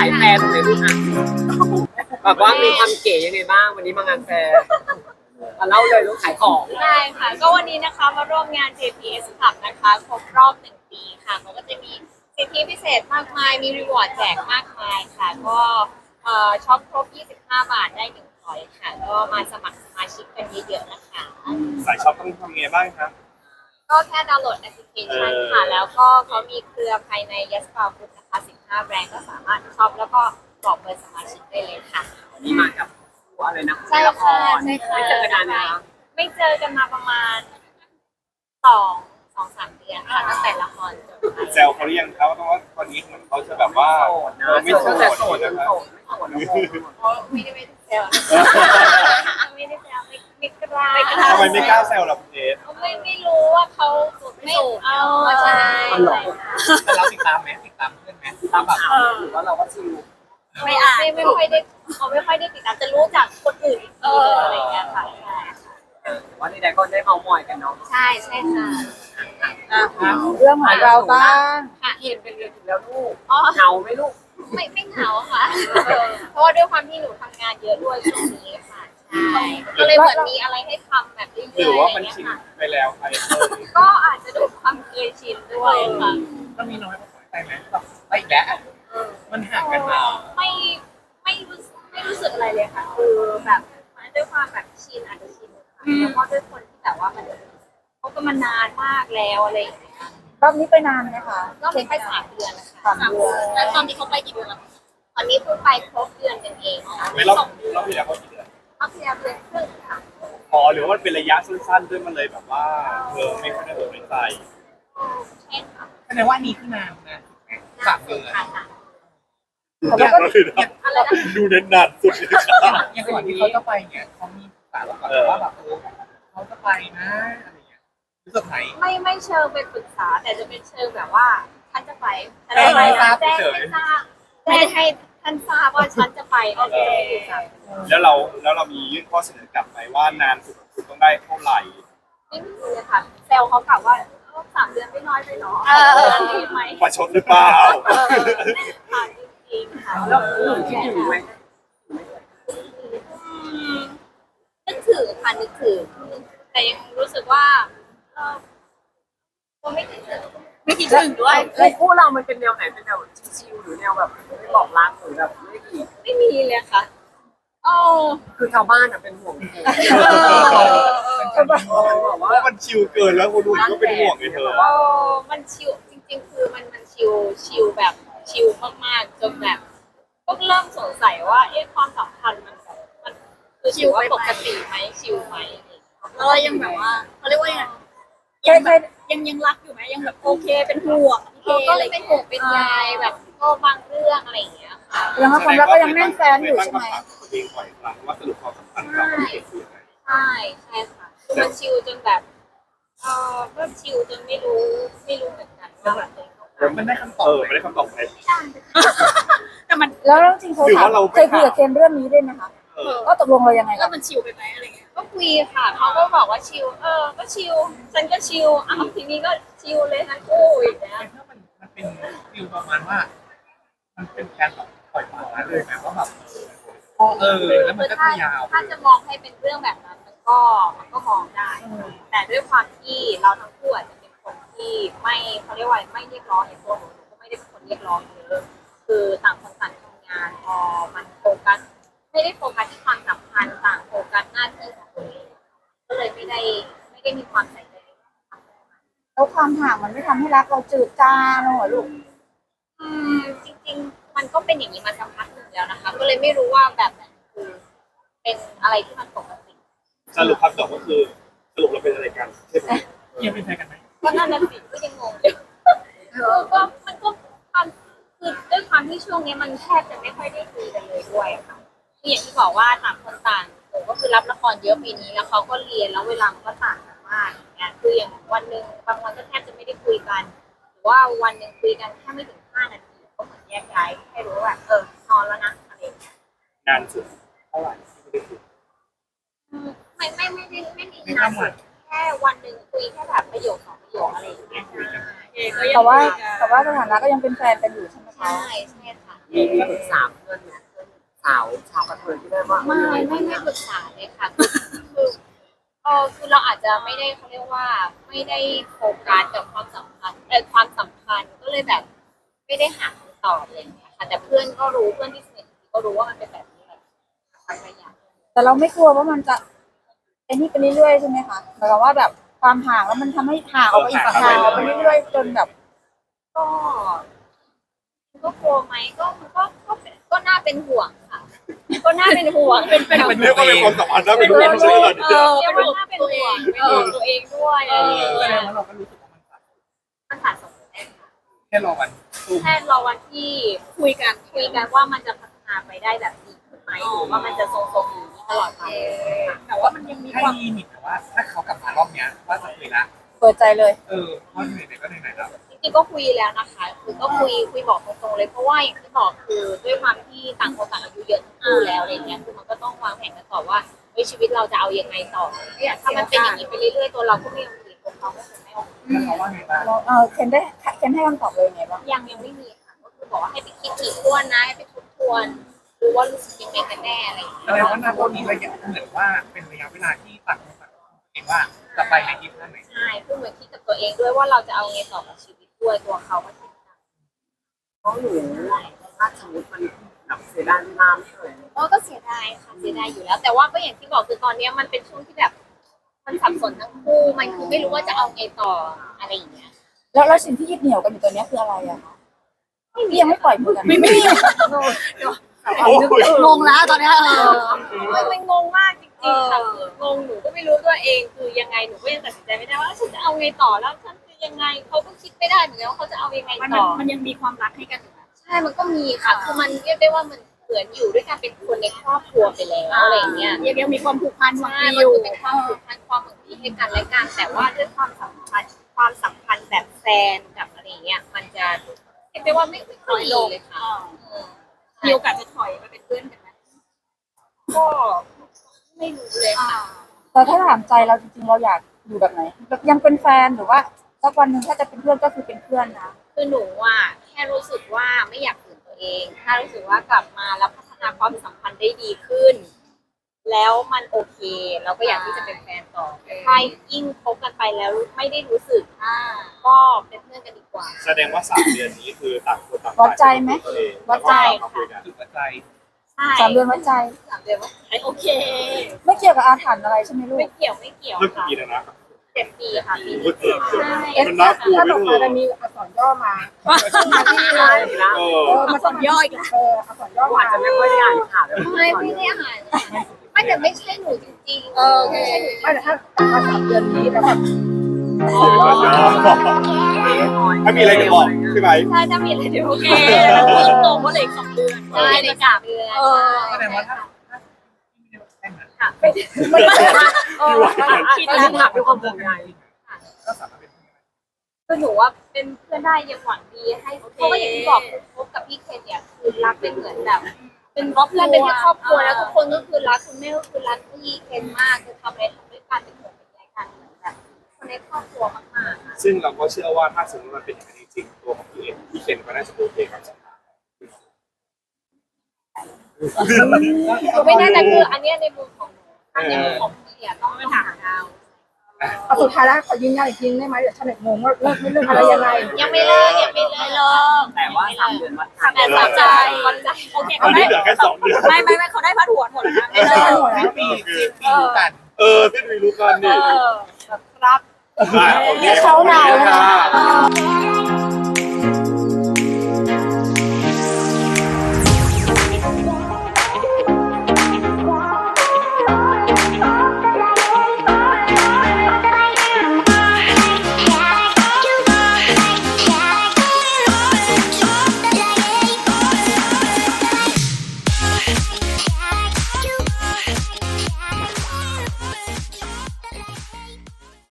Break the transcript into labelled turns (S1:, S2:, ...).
S1: ายแฟร์ตรงไหนลูกอ่ะแบบว่ามีความเก๋ยังไงบ้างวันนี้มางานแฟร์เล่าเลยลูกขายของ
S2: ได้ค่ะก็วันนี้นะคะมาร่วมงาน JPS Club นะคะครบรอบ1 ปีค่ะมันก็จะมีสิทธิพิเศษมากมายมีรีวอร์ดแจกมากมายค่ะก็ช็อปครบ25 บาทได้1 พอยต์ค่ะก็มาสมัครสมาชิกกันเยอะๆนะคะ
S3: สายช็อปต้องทำไงบ้างครับ
S2: ก็แค่ดาวน์โหลดแอปพลิเคชันค่ะแล้วก็เขามีเครือภายใน Yes Bar Group นะคะ15 แบรนด์ก็สามารถช็อปแล้วก็บอกเบอร์สมาชิกได้เลยค่ะ
S1: วันนี้มากับอะไรนะ
S2: ใช่
S1: ละค
S2: ค่ะ
S1: ร
S2: ใช่ค่ะ
S1: ไม่เจอกันนานนะคะ
S2: ไม่เจอกันมาประมาณ2-3 เดือนค่ะตั้งแต่ละครจบไป
S3: แซวเขาหรือยังครับว่าตอนนี้เหมือนเขาจะแบบว่า
S1: โสดนะ
S3: ไม่โส
S1: ตั้งแต่
S3: ด
S1: โสด
S3: นะ
S1: ไม่
S3: ครับ
S1: โสดไม่โสดนะโม
S2: เพราะไม่ได้แซวไม่ได้แซวไม่กล้า
S3: ทำไมไม่กล้าแซวล่ะคุณเอส
S2: ไม่รู้ว่าเขาไม่เอาใช่
S4: แต่เราติดตามไหมติดตามเพื่อนไหม
S1: ตามข่าวหรือว่าเราก็ชิล
S2: ไม่ค่อยได้เขาไม่ค่อยได้ติดตามจะรู้จากคนอื่นอีกทีนึงอะไรอย่างเงี้ยค่ะ
S1: ว่านี่ได้ก็ได้เมามอยกันเนาะ
S2: ใช่ใช่ค่ะ
S5: เรื่องของเราบ้าง
S2: ค่ะ
S1: เห็นเป็นเดือนถึงแล้วลูก
S2: อ๋อ
S1: เหงาไหมลูก
S2: ไม่เหงาค่ะ เพราะว่าด้วยความที่หนูทำงานเยอะด้วยช่วงนี้ค่ะใช่ก็เลยเหมือนมีอะไรให้ทำแบบเรื่อยๆ
S3: หรือว่ามัน
S2: ะไร
S3: ชิน
S2: เงี้ยค่ะ
S3: ไปแล้วใคร
S2: ก็อาจจะด้วยความเคยชินด้วยค่ะ
S4: ก็มีน้อยมาไปไหมแบบไปอีกแล้วมันห่างกันมา
S2: ไม่รู้สึกอะไรเลยค่ะ คือแบบด้วยความแบบชินอาจจะชินค่ะแล้วก็ด้วยคนที่แบบว่ามันเขาก็มานานมากแล้วอะไรอย่างเงี้ย
S5: รอบนี้ไปนานไหมคะ
S2: ก็ไป3 เดือนนะคะ
S5: 3 เดือน
S2: แล้วตอนนี้เขาไปกี่เดือนแล้วตอนนี้เพิ่งไปครบเดือนกันเองค่ะ
S3: ไม่รอบที่แล้วเขากี่เดือน
S2: รอบที่แล้วเดือนครึ่งค่ะ
S3: อ๋อหรือว่ามันเป็นระยะสั้นๆด้วยมันเลยแบบว่าไม่ค่อยได้สนใจ
S2: ใช่ค่ะ
S4: แสดงว่าอันนี้คือนานนะ3 เดือน
S2: ค่ะ
S5: แต่ว่าก็
S2: อะไรนะ
S3: ดูเน้นนานสุดเลยครับ
S4: อย่างก่อนที่เขาจะไปเนี่ยเขามีปรึกษาเราก่อนว่าแบบเขาจะไปนะอะไรเงี้ยรู้สึกไหน
S2: ไม่เชิงเป็นปรึกษาแต่จะเป็นเชิงแบบว่าฉันจะไปฉันจะไปนะแจ้งให้ทราบแจ้งให้ท่านทราบว่าฉันจะไปโอเคค่ะ
S3: แล้วเรามียื่นข้อเสนอกลับไปว่านานสุดต้องได้เท่าไหร่
S2: ไม่มีเลยค่ะเซลเขากล่าวว่า3 เดือนไม่น้อยไปหรอดีไหม
S3: ประชดหรือเปล่า
S2: ค่ะจริงๆค่ะ
S1: แล้วหนูคิดอยู่ไหม
S2: นึกถึงค่ะนึกถึงแต่ยังรู้สึกว่าก็ไม่คิดถึงด้วย
S1: แล้วคู่เรามันเป็นแนวไหนเป็นแนวชิลๆหรือแนวแบบไม่บอกรักหรือแบบไม่กี่
S2: ไม่มีเลยค่ะอ๋อ
S1: คือชาวบ้านอะเป็นห่วงเธอ
S3: เพราะว่ามันชิลเกินแล้วคนดูก็เป็นห่วงไงเธอ
S2: มันชิลจริงๆคือมันชิลแบบชิลมากๆจนแบบก็เริ่มสงสัยว่าความสัมพันธ์มันคือชิลว่าปกติไหมชิลไหมแล้วยังแบบว่าเขาเรียกว่ายังไง ยังรักอยู่ไหมยังแบบโอเคเป็นห่วงก็เลยเป็นห่วงเป็นใยแบบก็บางเรื่องอะไรอย่างเงี้ยค่ะ
S5: ยังว่าความรักก็ยังแน่นแฟนอยู่ใช่ไหม
S3: ตัวเองบ่อยครั้งว่าสรุปความสัมพันธ์เราเป็นยังไง
S2: ใช่ค่ะคือมันชิลจนแบบก็ชิลจนไม่รู้เหมือนกันว่าแบบตัวเองต้องการ
S4: มันได้คำตอบ
S3: ไม่ได้คำตอบไหม
S2: แต่มัน
S5: แล้วจริงๆเขา
S3: หรือ
S5: ถาม
S3: ว่าเราไม่
S5: เคยคุยกับเคนเรื่องนี้ด้วยไหมคะก็ตกลงเรายังไง
S2: แล้วมันชิลไปไหมอะไรเงี้ยก็คุยค่ะเขาก็บอกว่าชิลก็ชิลฉันก็ชิลทีนี้ก็ชิลเลยทั้งคู่อย่างเงี้ย
S4: ถ้ามันเป็นฟิลประมาณว่า มันเป็นการแบบปล่อยปละละเลยนะว่าแบบแล้วมันก็จะยาว
S2: ถ้าจะมองให้เป็นเรื่องแบบนั้นมันก็มองได้ แต่ด้วยความที่เราทั้งคู่อาจจะเป็นคนที่ไม่เขาเรียกว่าไม่เรียกร้องอย่างตัวหนูก็ไม่ได้เป็นคนเรียกร้องเยอะคือต่างคนต่างทำงานพอมันโฟกัสไม่ได้โฟกัสที่ความสัมพันธ์ต่างโฟกัสหน้าที่ของตัวเองก็เลยไม่ได้มีความใส่ใจ
S5: แล้วความห่างมันไม่ทำให้รักเราจืดจางลงเหรอลูก
S2: จริงๆมันก็เป็นอย่างนี้มาสักพักหนึ่งแล้วนะคะ ก็เลยไม่รู้ว่าแบบไหนคือเป็นอะไรที่มันปกติ
S3: สรุปคำตอบก็คือสรุปเราเป็นอะไรกันใช่ไหม
S4: ยังเป็นแฟนกันไหม
S2: ก็นั่นน่ะสิก็ยังงงอยู่ก็มันก็ความคือด้วยความที่ช่วงนี้มันแทบจะไม่ค่อยได้คุยกันเลยด้วยอะค่ะคืออย่างที่บอกว่าต่างคนต่างหนูก็คือรับละครเยอะปีนี้แล้วเขาก็เรียนแล้วเวลามันก็ต่างกันมากอย่างเงี้ยคืออย่างวันหนึ่งบางวันก็แทบจะไม่ได้คุยกันหรือว่าวันหนึ่งคุยกันแค่ไม่ถึง5 นาทีก็เหมือนแยกย้ายให้รู้ว่าแบบนอนแล้วนะอะไรอย่างเงี้ย
S3: นานสุดเท่าไหร่ที่ไม่ได้คุย
S2: ไม่มีนานสุดแค่วันหนึ่งคุยแค่แบบประโยค2 ประโยคอะไรอย่างเงี้ยใช่
S5: แต่ว่าสถานะก็ยังเป็นแฟนกันอยู่ใช่ไหมคะ
S2: ใช่ค่ะ
S1: มีปรึกษาเพื่อนไหมเพื่อนสาวชาวกระเทยที่ได้ว่า
S2: ไม่ปรึกษาเลยค่ะคือคือเราอาจจะไม่ได้เขาเรียกว่าไม่ได้โฟกัสกับความสัมพันธ์ความสัมพันธ์ก็เลยแบบไม่ได้หาคำตอบอะไรอย่างเงี้ยค่ะแต่เพื่อนก็รู้เพื่อนที่สนิทก็รู้ว่ามันเป็นแบบนี้แหละระยะ
S5: แต่เราไม่กลัวว่ามันจะไอ้นี่ไปเรื่อยๆใช่ไหมคะหมายความว่าแบบความห่างแล้วมันทำให้ห่างออกไปอีกห่างออกไปเรื่อยๆจนแบบ
S2: ก็กลัวไหมก็น่าเป็นห่วงค่ะ ก็น่าเป็นห่วงเป็น
S3: เรียกว่าเป็นความสัมพันธ์น่าเป็นห่วงเลย
S2: เรียกว่าน่าเป็นห่วงเป็นห่วงตัวเองด้วยอะไรอย่าง
S4: แส
S2: เงี้ย
S4: ดงว่าเราก็รู้สึกว่ามันขาด
S2: มันขาดสมดุลแน่ค่ะ
S4: แค่รอวันสู้
S2: แค่รอวันที่คุยกันว่ามันจะพัฒนาไปได้แบบดีขึ้นไหมหรือว่ามันจะทรงๆอย่างนี้ตลอดไปแต่ว่ามันยังมี
S4: ให้
S2: ความ
S4: มีนิดแต่ว่าถ้าเขากลับมารอบเนี้ยว่าจะคุยละ
S5: เปิดใจเลย
S4: เพราะไหนๆก็ไหนๆแล้ว
S2: จริงๆก็คุยแล้วนะคะคือก็คุยบอกตรงๆเลยเพราะว่าอย่างที่บอกคือด้วยความที่ต่างคนต่างอายุเยอะทั้งคู่แล้วอะไรเงี้ยคือมันก็ต้องวางแผนกันต่อว่าชีวิตเราจะเอายังไงต่อถ้ามันเป็นอย่างนี้ไปเรื่อยๆตัวเราก็ไม่โอเคตัวเขาก็จะไม่โอเค
S4: แล้วเขาว่าไงบ้าง
S5: เคนให้คำตอบเลยไงบ้าง
S2: ยังไม่มีค่ะก็คือบอกว่าให้ไปคิดถี่ถ้วนนะให้ไปทบทวนดูว่ารู้สึกยังไงกันแน่อะไรอย่างเงี้ย
S4: แสดงว่าณตอนนี้ระยะเหมือนว่าเป็นระยะเวลาที่ต่างคนต่างเองว่าจะไปในทิศทางไหน
S2: ใช่คือเหมือนคิดกับตัวเองด้วยว่าเราจะเอาไงต่อกับชีวิตด้วยตัวเขาก็คิดนะ
S1: เพราะหนูถ้าสมมติมันแบบเสียดายเวลาไม่เลย
S2: ก็เสียดายค่ะเสียดายอยู่แล้ว แต่ว่าก็อย่างที่บอกคือตอนนี้มันเป็นช่วงที่แบบมันสับสนทั้งคู่มันคือไม่รู้ว่าจะเอาไงต่ออะไรอย่างเงี้ย
S5: แล้วสิ่งที่ยึดเหนี่ยวกันอยู่ตัวเนี้ยคืออะไรอะคะที่ยังไม่ปล่อยมือกันไม่มี
S1: งงแล้วตอนนี้
S2: มันงงมากจริงๆค่ะคืองงหนูก็ไม่รู้ตัวเองคือยังไงหนูก็ยังตัดสินใจไม่ได้ว่าฉันจะเอาไงต่อแล้วฉันคือยังไงเขาก็คิดไม่ได้เหมือนกันว่าเขาจะเอายังไงต่อ
S6: มันยังมีความรักให้กันอยู่นะ
S2: ใช่มันก็มีค่ะคือมันเรียกได้ว่ามันเหมือนอยู่ด้วยกันเป็นคนในครอบครัวไปแล้วอะไรอย่างเงี้ย
S6: ยังมีความผูกพันหวัง
S2: ใช่
S6: ดี
S2: มัน
S6: อยู่
S2: คือเป็นความผูกพันความหวังดีให้กันและกันแต่ว่าด้วยความสัมพันธ์แบบแฟนกับอะไรเงี้ยมันจะเรียกได้ว่าไม่ค่อยดีเลยค่ะ
S6: มีโอกาสจะถอยมาเป็นเพื่อนกันไหม
S2: ก็ไม่รู้เลยค่ะ
S5: แต่ถ้าถามใจเราจริงๆเราอยากอยู่แบบไหนแบบยังเป็นแฟนหรือว่าสักวันหนึ่งถ้าจะเป็นเพื่อนก็คือเป็นเพื่อนนะ
S2: คือหนูอ่ะแค่รู้สึกว่าไม่อยากฝืนตัวเองถ้ารู้สึกว่ากลับมาแล้วพัฒนาความสัมพันธ์ได้ดีขึ้น แล้วมันโอเคเราก็อยากที่จะเป็นแฟนต่อถ้ายิ่งคบกันไปแล้วไม่ได้รู้สึกก็เป็นเพื่อนกันดีกว่า
S3: แสดงว่า3 เดือนนี้คือต่างคนต่าง
S5: วัดใจไหม
S3: วัดใจค่ะ
S4: จุดหัวใจ
S2: ใช่
S5: 3 เดือนวัดใจ
S2: 3 เดือนว่า
S6: โอเค
S5: ไม่เกี่ยวกับอาถรรพ์อะไรใช่ไหมลูก
S2: ไม่เกี่ยว
S3: เริ่ม
S2: ค่ะ
S3: กี่แล้วนะ
S2: 7 ปีค่ะปี
S3: โอ้
S2: นี้
S3: เกือบ
S2: ใช่
S3: มันน่ากลัว
S5: ถ้า
S3: ไม่
S5: ตก
S3: ถู
S5: มาก จะมีอักษรย่อมา
S6: มาสอนย่ออีกแล้ว
S5: อักษรย่อ
S1: อา
S5: มา
S1: จจะไม่ค่อยได้อ่านข่าวเลย
S2: ไม่ได้อาหารไม่แต่ไม่ใช่หนูจริงๆ
S6: โอเค
S5: ไม่แต่ถ้า3 เดือนนี้แล้วแบบ
S3: ถ้ามีอะไรจะบอกใช่ไหม
S2: ใช่ถ้ามีอะไรเดี๋ยว
S6: โอ
S2: โอ
S6: เค
S2: เค
S6: เพิ่มโตเพราะเหลืออีก2 เดือน
S2: ใช่ใน3 เดือน
S4: แสดงว่าถ้าแต่งงาน
S5: ไม่ได้
S1: คิดแล้วถามด้วยความห่วงใย
S4: ก็สามารถเป็น
S2: คือหนูว่าเป็นเพื่อนได้ยังหวังดีให้เพราะว่าอย่างที่บอกคบกับพี่เคนเนี่ยคือรักเป็นเหมือนแบบ เป็นเพื่อนเป็นที่ครอบครัวแล้วทุกคนก็คือรักคุณแม่ก็คือรักพี่เคนมากคือทำอะไรทำด้วยกันเป็นห่วงเป็นใยกันเหมือนแบบคนในครอบครัวมากๆค่ะ
S3: ซึ่งเราก็เชื่อว่าถ้าสมมติมันเป็นอย่างนั้นจริงๆตัวของพี่เคนก็น่าจะโอเคกับสัมภาษณ์
S2: ไม่แน่ใจคืออันเนี้ยในมุมของหนูถ้าในมุมของพี่อ่ะต้องไปถามดาว
S5: เอาสุดท้ายแล้วขอยืนยันอีกทีได้ไหมเดี๋ยวชาวเน็ตงงว่าเลิกไม่เลิกอะไรยังไง
S2: ยังไม่เลิกก
S1: แต่ว่า3 เดือนวัดใจ
S2: แต่สนใจวันใจ
S6: โอเค
S3: ตอนนี้เหลือแค่2 เดือน
S6: ไม่เขาได้พัดหัวหมดแล้วนะไม่เลิก
S4: สิ้นปีรู้กัน
S3: ที่ดูรู้กันนี่
S2: ครับ
S3: โอเค
S5: เขาเรา
S3: ค่ะ
S5: ค่ะ